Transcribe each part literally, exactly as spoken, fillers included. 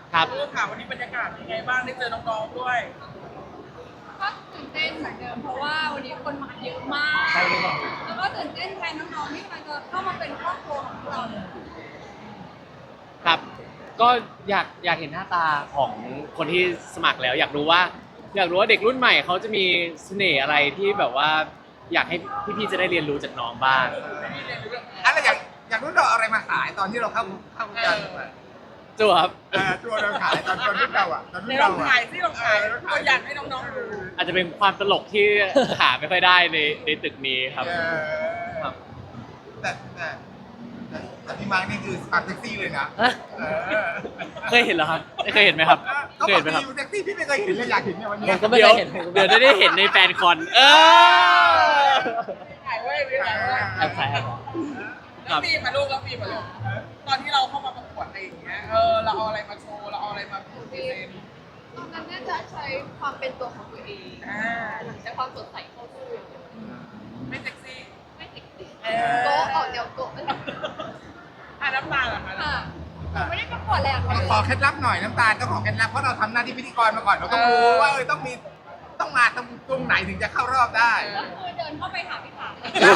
ครับเรื่องข่าววันนี้บรรยากาศเป็นไงบ้างได้เจอน้องๆด้วยก็ตื่นเต้นเหมือนเดิมเพราะว่าวันนี้คนมาเยอะมาก แล้วก็ตื่นเต้นแทนน้องๆที่กำลังจะเข้ามาเป็นครอบครัวของเราครับก็อยากอยากเห็นหน้าตาของคนที่สมัครแล้ว อยากรู้ว่าอยากรู้ว่าเด็กรุ่นใหม่เขาจะมีเสน่ห์อะไรที่แบบว่าอยากให้พี่ๆจะได้เรียนรู้จากน้องบ้างอะไรอย่างอย่างนู้นเราเอาอะไรมาขายตอนที่เราเข้าเข้าวงการมาจูครับเออตัวเราขายตอนตอนรุ่นเราอ่ะตอนในรุ่นลเราองอ่ะถ่ายซิลองถ่ายตัวอย่างให้น้องๆดูอาจจะเป็นความตลกที่ หาไม่ค่อยได้ในในตึกนี้ครับเออครับแต่แต่แต่แต่พี่มาร์กนี่คือสปาร์ตเซ็กซี่เลยนะฮะเออเคยเห็นเหรอครับเคยเห็นไหมครับก็เคยบอเห็กนไหมครับดีเซ็กซี่พี่ไม่เคยเห็นเลยอยากเห็นเนี่ยวันนี้ผมก็ไม่เดี๋ยวเคยเห็นเดี๋ยวจะได้เห็นในแฟนคอน เออถ่ายไว้ไม่ถ่ายไว้แอบถ่ายแอบถ่ายแล้วฟีมาลูกแล้วฟีมาลูกตอนที่เราเข้ามาประกวดอะไรอย่างเงี้ยเออเราเอาอะไรมาโชว์เราเอาอะไรมาพูดเองตอนนั้นน่าจะใช้ความเป็นตัวของตัวเองอ่าใช้ความสดใสเข้าสู้ไม่เซ็กซี่ไม่ติดติดเออโกะออกเดี๋ยวโกะไม่ติดอ่ะน้ำตาลเหรอคะค่ะผมไม่ได้ประกวดเลยอ่ะขอขอเคล็ดลับหน่อยน้ำตาลต้องขอเคล็ดลับเพราะเราทำหน้าที่พิธีกรมาก่อนเราต้องรู้ว่าเออต้องมีต้องมาตรงตรงไหนถึงจะเข้ารอบได้ก็คือเดินเข้าไปหาพี่ถาม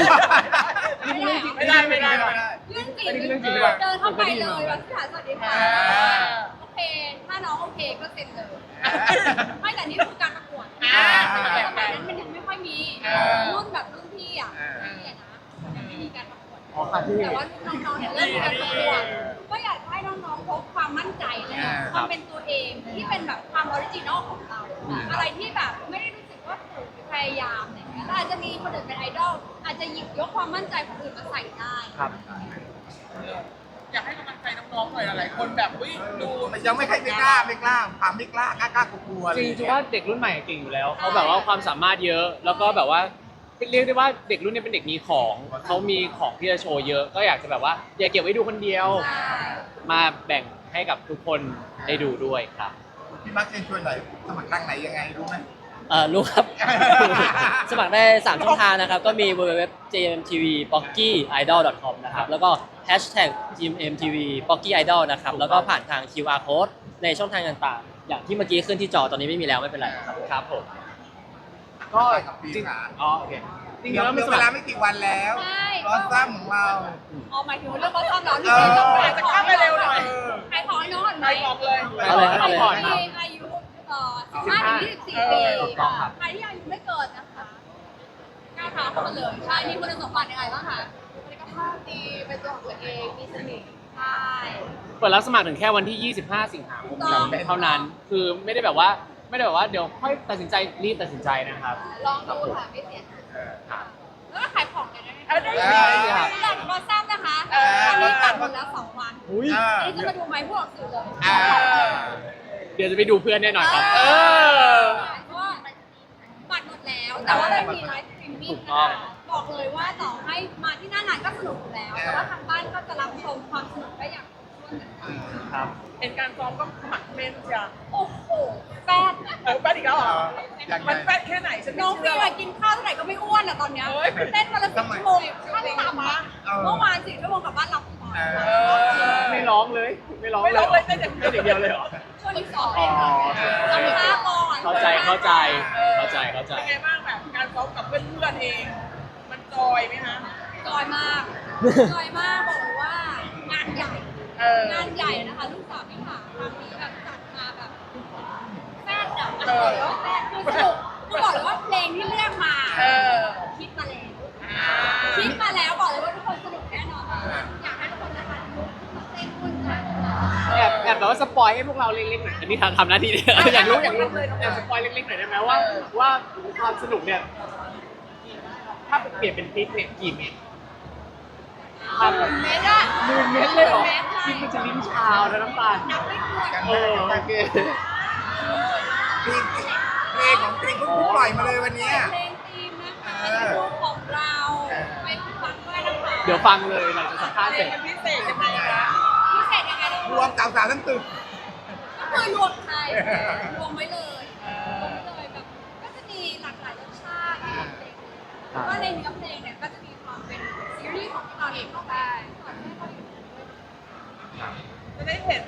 ไม่ได้ไม่ได้ไม่ได้เรื่องจริงเดินเข้าไปเลยวันที่ถามสวัสดีค่ะโอเคถ้าน้องโอเคก็เซ็นเลยไม่แต่นี่คือการประกวดสมัยนั้นมันยังไม่ค่อยมีรุ่นแบบรุ่นพี่อ่ะพี่นะยังไม่มีการประกวดอ๋อค่ะพี่แต่ว่าน้องๆเนี่ยเริ่มมีการประกวดก็อยากให้น้องๆพบความมั่นใจเลยความเป็นตัวเองที่เป็นแบบความออริจินอลของเรา อะไรที่แบบไม่ได้รู้สึกว่าถูกพยายามอะไรเงี้ยอาจจะมีคนอื่นเป็นไอดอลอาจจะหยิบยกความมั่นใจของอื่นมาใส่ได้ครับอยากให้กำลังใจน้องๆหน่อยหลายคนแบบอุ้ยดูยังไม่ค่อยไม่กล้าไม่กล้าความไม่กล้ากล้ากล้ากลัวๆจริงๆว่าเด็กรุ่นใหม่เก่งอยู่แล้วเขาแบบว่าความสามารถเยอะ แล้วก็แบบว่าเรียกได้ว่าเด็กรุ่นนี้เป็นเด็กมีของเขามีของที่จะโชว์เยอะ ก็อยากจะแบบว่าอย่าเก็บไว้ดูคนเดียว มาแบ่งให้กับทุกคนได้ดูด้วยครับพี่มาร์กเชิญชวนหน่อยสมัครทางไหนยังไงรู้ไหมเออรู้ครับ สมัครได้สามช่องทางนะครับ ก็มี ดับเบิลยู ดับเบิลยู ดับเบิลยู ดอท เจ เอ็ม ที วี พ็อกกี้ ไอดอล ดอท คอม นะครับ แล้วก็ แฮชแท็ก จี เอ็ม ที วี พ็อกกี้ ไอดอล นะครับ แล้วก็ผ่านทาง คิว อาร์ Code ในช่องทางต่างๆ อย่างที่เมื่อกี้ขึ้นที่จอตอนนี้ไม่มีแล้วไม่เป็นไรครับครับผม ก็กับปีจริงขาอ๋อโอเคจริงๆเดี๋ยวแล้วเหลืมันอสเวมัลาครไม่กี่วันแล้วใช่รอซ้ำของเราอ๋อหมายถึงเรื่องเขาชอบเราที่เออต้องอาจจะข้ามไปเร็วหน่อยใครขอน้องก่อนไหมใครบอกเลยเอาเลยเอาเลยใครที่อายุเอ่อสิบห้าถึงยี่สิบสี่ปีถูกต้องครับใครที่อายุไม่เกินนะคะกล้าท้าเข้ามาเลยใช่มีคุณสมบัติยังไงบ้างคะสุขภาพดีเป็นตัวของตัวเองมีเสน่ห์ใช่เปิดรับสมัครถึงแค่วันที่ ยี่สิบห้า สิงหาคมถูกต้องเท่านั้น คือไม่ได้แบบว่าไม่ได้แบบว่าเดี๋ยวค่อยตัดสินใจรีบตัดสินใจนะครับลองดูค่ะไม่เสียหายแล้วก็ขายของกันได้ไหมเอาได้ได้ครับหลังบอสซัมนะคะเออตอนนี้ตัดหมดแล้วสองวันอุ้ยอ่าอันนี้จะมาดูไหมพวกสื่อเลยอ่าเดี๋ยวจะไปดูเพื่อนแน่นอนครับ เออเพราะว่าบัตรหมดแล้ว แต่ว่ามันมีไลฟ์สตรีมมิ่งถูกต้นะองคะบอกเลยว่าต่อให้มาที่หน้างานก็สนุกอยู่แล้ว แต่ว่าทางบ้านก็จะรับชมความสนุกได้อย่างครบถ้วนกันไปครับเห็นการซ้อมก็หมักเมนจ้ะโอ้โหแป๊ดเออแป๊ดอีกแล้วเหรออย่างไรมันแป๊ดแค่ไหนฉันไม่น้องเชื่พี่ออะกินข้าวเท่าไหร่ก็ไม่อ้วนอะตอนเนี้ยเฮ้ยเต้นวันละสิบชั่วโมงขั้นต่ำอะเออเมื่อวานสี่ชั่วโมงกลับบ้านหลับก่อนเอเอออไม่ร้องเลย ไม่ร้องไม่ร้องเลยหเต้นอย่างเดียวเต้นอย่างเดียวเลยเหรอช่วงนี้สอนเองค่ะทำท่าก่อนเข้าใจ เข้าใจ เข้าใจ เข้าใจเป็นไงบ้างแบบการซ้อมกับเพื่อนๆเอง มันจอยไหมฮะจอยมากจอยมากบอกเลยว่างานใหญ่เอองานใหญ่นะคะลูกสาวพี่ขาครั้งนี้แบบจัดมาแบบแซ่บอะเออแซ่บคือสนุกคือบอกเลยว่าเพลงที่เลือกมาเออคิดมาแล้วอ่าคิดมาแล้วบอกเลยว่าทุกคนสนุกแน่นอนอยากให้ทุกคนนะคะลุกขึ้นมาเต้นด้วยกันแอบแอบแบบว่าสปอยให้พวกเราเล็กๆหน่อยอันนี้ทำทำหน้าที่เนี่ยอยากรู้อยากรู้แอบสปอยเล็กๆหน่อยได้ไหมว่าว่าความสนุกเนี่ย ถ้าเปลี่ยนเป็นพริกเนี่ยกี่เม็ดครับเมตรอะหมื่นเม็ดเลยเหรอเมตรพริกมันจะลิ้นชาวนะน้ำตาลนับไม่ถ้วนกันเออโอเคเพลงเพลงของเพลงเพิ่งปล่อยมาเลยวันเนี้ยเพลงธีมนะคะเป็นรูปของเราไปฟังด้วยนะคะเดี๋ยวฟังเลยหลังจากสัมภาษณ์เพเสลร็งจมันพิเศษยังไงคะพิเศษยังไงนะรวมเก่าสาวทั้งตึกก็คือรวมไทยรวมไว้เลยรวมไว้เลยแบบก็จะมีหลากหลายรสชาติของเพลงแล้วก็ในเนื้อเพลงเนี่ยก็จะมีความเป็นซีรีส์ของเราเองเข้าไปจะได้เห็นมุ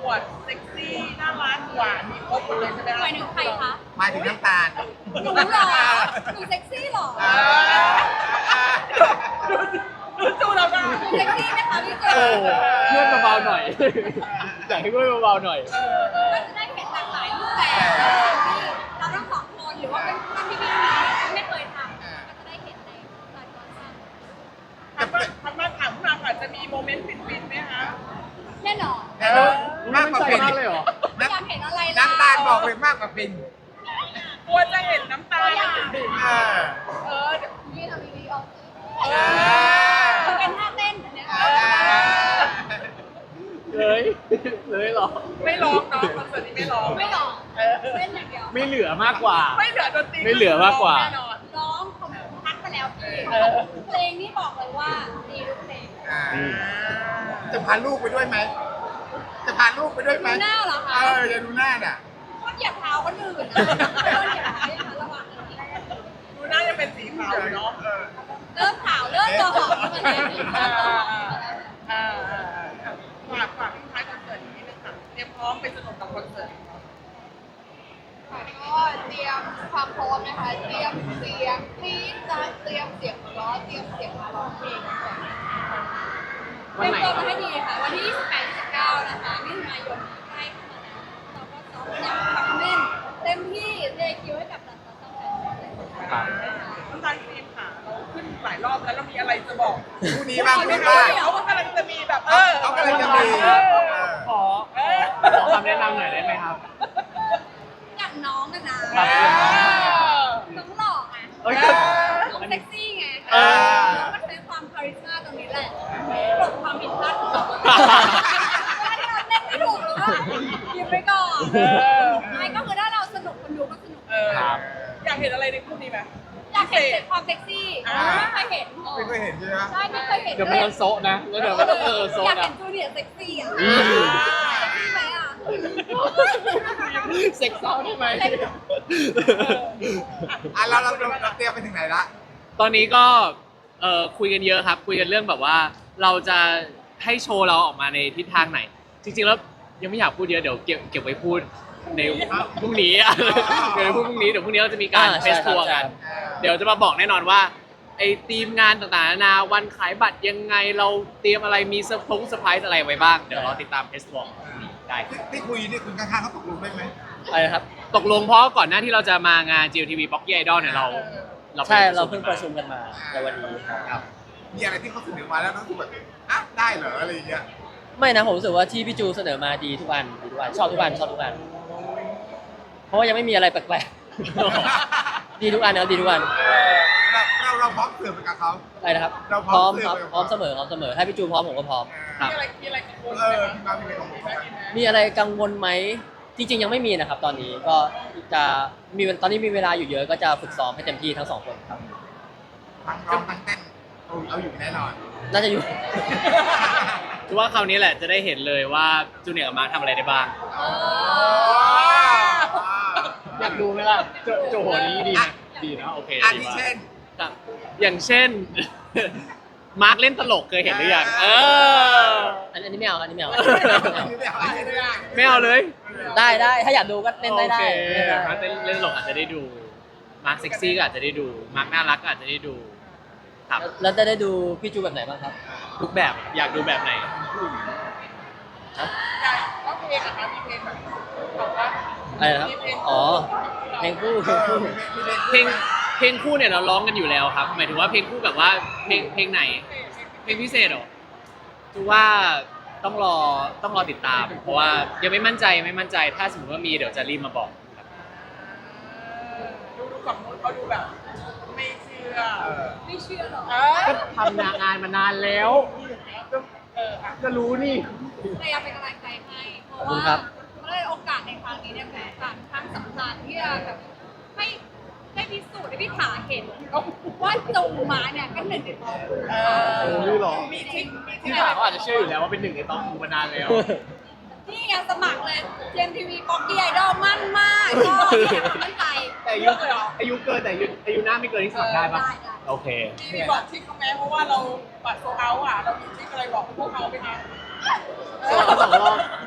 วดเซ็กซี่น่ารักหวานมีครบหมดเลยใช่ไหมหมายถึงใครคะหมายถึงน้ำตาลหนูเหรอหนูเซ็กซี่เหรออ่าดูจูเราได้หนูเซ็กซี่ไหมคะพี่เจโอ้เพื่อนเบาๆหน่อย อยากให้เพื่อนเบาๆหน่อยเออเออก็จะได้เห็นหลากหลายรูปแบบที่เราทั้งสองคนหรือว่าเป็นเพื่อนที่พี่ไม่เคยทำก็จะได้เห็นในหลายตัวค่ะถัดมาถัดมาถามคุณอาค่ะจะมีโมเมนต์ฟินๆไหมคะแน่นอนแต่ว่ามากกว่าเป็นมากเลยเหรอไม่อยากเห็นอะไรล่ะน้ำตาลบอกเลยมากกว่าเป็นกลัวจะเห็นน้ำตาตัวอย่างเออเออเดี๋ยวนี่ทำดีๆออกเออมันเป็นท่าเต้นเนี่ยเออเลยเลยเหรอไม่ร้องเนาะคอนเสิร์ตนี้ไม่ร้องไม่หรอกเออเต้นอย่างเดียวไม่เหลือมากกว่าไม่เหลือดนตรีไม่เหลือมากกว่าแน่นอนร้องผมพักไปแล้วพี่เพลงนี้บอกเลยว่าดีทุกเพลงอ่าอืมจะพาลูกไปด้วยไหม จะพาลูกไปด้วยไหมดูหน้าเหรอเอคะอจะดูหน้าน่ะก็เหยียบเท้าคนอื่นนะไม่ต้องเหยียบเท้าอย่างนั้นระวังนะดูน่าจะเป็นสีขาวอยู่เนาะเออเริ่มขาวเริ่มจะหอมแล้วมันเลยอ่าอ่าอ่าฝากฝากทิ้งท้ายคอนเสิร์ตนี้นึงค่ะเตรียมพร้อมไปสนุกกับคอนเสิร์ตก็เตรียมความพร้อมนะคะ เตรียมเสียงกรี๊ดนะเตรียมเสียงหัวเราะเตรียมเสียงมาร้องเพลงก่อนวัเตนรียมไหนตัวครัมาบให้ดีค่ะ วันที่ยี่สิบแปด ยี่สิบเก้านะคะมิถุนายนนี้ใกล้เข้ามาแล้วเราก็ซ้อมอย่างทำแน่นเต็มที่เทคิวให้กับหลักๆต้องการเลยครับน้ำตาลครีมค่ะเราขึ้นหลายรอบแล้วเรามีอะไรจะบอกคู่นี้บ้างคู่นี้เขาบ้างเขากำลังจะมีแบบเออเขากำลังจะมีเออขอขอคำแนะนำหน่อยได้ไหมครับอย่างน้องนะนะครับ น้องหล่อไงเอ้ยน้องเซ็กซี่ไงเออน้องก็ใช้ความคาริสมาตรงนี้แหละปลดความผิดพลาดของเราเวลาที่เราเล่นไม่ถูกเราก็หยิบไปก่อนเออไม่ก็คือถ้าเราสนุกคนดูก็สนุกเออครับอยากเห็นอะไรในคู่นี้ไหมอยากเห็นความเซ็กซี่อ่าไม่เคยเห็นไม่เคยเห็นใช่ไหมใช่ไม่เคยเห็นเดี๋ยวมันโซะนะ แล้วเดี๋ยวมันเออโซะอยากนะเห็นจูเนียร์เซ็กซี่อ่ะอืมเซ็กซี่ไหมอ่ะเซ็กซ์เซาได้ไหมอ่ะเราเราเราเตรียมไปถึงไหนละตอนนี้ก็เอ่อคุยกันเยอะครับ คุยกันเรื่องแบบว่าเราจะให้โชว์เราออกมาในทิศทางไหน จริงๆแล้วยังไม่อยากพูดเยอะเดี๋ยวเก็บเก็บไว้พูดในพรุ่งนี้อะเดี๋ยวพูดพรุ่งนี้เดี๋ยวพรุ่งนี้เราจะมีการอ่าเทใช่สครับทัวร์ใช่กันเออเดี๋ยวจะมาบอกแน่นอนว่าไอ้ทีมงานต่างๆนานาวันขายบัตรยังไงเราเตรียมอะไรมีเซอร์พงเซอร์ไพรส์อะไรไว้บ้างเดี๋ยวรอติดตามเทสทัวร์พรุ่งนี้ได้ครับที่ที่คุยนี่คุณข้างๆเขาตกลงได้ไหมอะไรนะครับตกลงเพราะก่อนหน้าที่เราจะมางาน จี เอล ที วี Pocky Idol เนี่ยเราเราใช่ไปเราเพิ่งประชุมกันมาในวันนี้ครับครับมีอะไรที่เขาเสนอมาแล้วรู้สึกแบบอ่ะได้เหรออะไรอย่างเงี้ยไม่นะผมรู้สึกว่าที่พี่จูเสนอมาดีทุกอันดีทุกอันชอบทุกอันชอบทุกอันเพราะว่ายังไม่มีอะไรแปลกๆ ดีทุกอันนะครับดีทุกอันเราเราเราพร้อมเสิร์ฟไปกับเขาอะไรนะครับเราพพร้ร้ออมมครับเสิร์ฟพร้อมเสมอพร้อมเสมอถ้าพี่จูพร้อมผมก็พร้อมครับมีอะไรมีอะไรกังวลเอไหมอคะมีความเป็นของเขาไหมมีอะไรกังวลไหมจริง ๆ ยังไม่มีนะครับ ตอนนี้ก็จะมีตอนนี้มีเวลาอยู่เยอะก็จะฝึกซ้อมให้เต็มที่ทั้งสองคนครับทั้งร้องทั้งเต้นเอาเอาอยู่แน่นอนน่าจะอยู่คือว่าคราวนี้แหละจะได้เห็นเลยว่าจูเนียร์กับมาร์คทำอะไรได้บ้าง อยากดูไหมล่ะโจโจโหนี้ดีนะดีนะโอเคอันดีที่มากเช่นครับอย่างเช่น มาร์คเล่นตลกเคยเห็นหรือยังเอออันอันนี้ไม่เอาอันนี้ไม่เอาอันนี้ไม่เอาอันนี้ไม่เอาไม่เอาเลยได้ได้ถ้าอยากดูก็เล่นได้ได้โอเคเล่นได้มาร์คเล่นเล่นตลกอาจจะได้ดู มาร์คเซ็กซี่ก็อาจจะได้ดู มาร์คน่ารักก็อาจจะได้ดู ครับแล้วจะได้ดูพี่จูแบบไหนบ้างครับทุกแบบอยากดูแบบไหนฮะอยากร้องเพลงอะคะมีเพลงแบบบอกว่าอะไรนะครับอ๋อเพลงคู่เพลงคู่เพลงเพลงคู่เนี่ยเราร้องกันอยู่แล้วครับ หมายถึงว่าเพลงคู่แบบว่าเพลงเพลงไหน เพลงพิเศษเหรอคือว่าต้องรอต้องรอติดตาม เพราะว่ายังไม่มั่นใจยังไม่มั่นใจ ถ้าสมมติว่ามีเดี๋ยวจะรีบมาบอกครับดูดูฝั่งนู้นเขาดูแบบ ไม่เชื่อเออไม่เชื่อหรอกเออก็ทำงานมานานแล้วเอออ่ะก็รู้นี่พยายามเป็นกำลังใจให้เพราะขอบคุณว่าครับเพราะว่าโอกาสในครั้งนี้เนี่ยเป็นโอกาสครั้งสำคัญที่จะแบบให้ให้พิสูจน์ให้พี่ขาเห็นว่าจูมาเนี่ยก็หนึ่งในท็อปเออโอ้ยเหรอมีทริคมีทริพี่คสาวเขาอาจจะเชื่ออยู่แล้วว่าเป็นหนึ่งในต้องกูมานานแล้วนี่ไงสมัครเลยเจมทีวีป๊อกกี้ไอดอลมั่นมากก็เนี่ยความมั่นใจแต่อายุอายุเกินแต่อายุอายุหน้าไม่เกินที่สมัครได้ปะได้ได้โอเคมีบอกทริคเขาไหมเพราะว่าเราบัตรโซเอาท์อ่ะ เรามีทริคอะไรบอกพวกเขาไหมคะสองรอบสองรอบ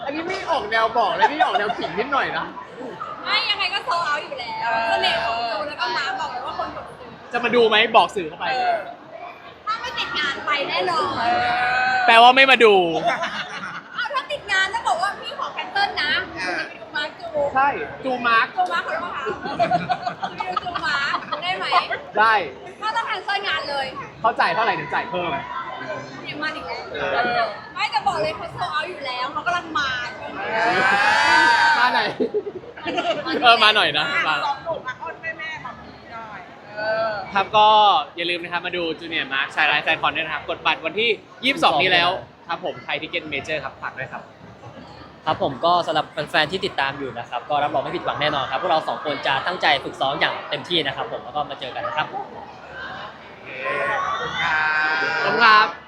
อันนี้ไม่ออกแนวบอกเลยนี่ออกแนวขิงนิดหน่อยนะไม่ยังไงก็โซเอาอยู่แล้วเสน่ห์ของจูแล้วก็มาร์คบอกเลยว่าคนกดซื้อจะมาดูไหมบอกสื่อเข้าไปเออถ้าไม่ติดงานไปแน่นอนเออแปลว่าไม่มาดูอ้าวถ้าติดงานต้องบอกว่าพี่ขอแคนเซิลนะจะไปดูมาร์คจูใช่ จูมาร์กจูมาร์คขอโทษค่ะจะไปดูจูมาร์คได้ไหมได้ก็ต้องแคนเซิลงานเลยเขาจ่ายเท่าไหร่เดี๋ยวจ่ายเพิ่มเดี๋ยวมาอีกแล้วเออไม่จะบอกเลยเขาโซเอาอยู่แล้วเขากำลังมาช่วงนี้มาไหนอยเออมาหน่อยนะมาสองหนุ่มอ่ะอ้อนแม่แม่ๆแบบนี้หน่อยเออครับก็อย่าลืมนะครับมาดูจูเนียร์มาร์คชายไลฟ์แฟนคอนด้วยนะครับ กดบัตรวันที่ ยี่สิบสอง นี้แล้วครับผมไทยทิเก็ตเมเจอร์ครับฝากด้วยครับครับผมก็สำหรับแฟนๆที่ติดตามอยู่นะครับก็รับรองไม่ผิดหวังแน่นอนครับพวกเราสองคนจะตั้งใจฝึกซ้อมอย่างเต็มที่นะครับผมแล้วก็มาเจอกันนะครับขอบคุณครับขอบคุณครับ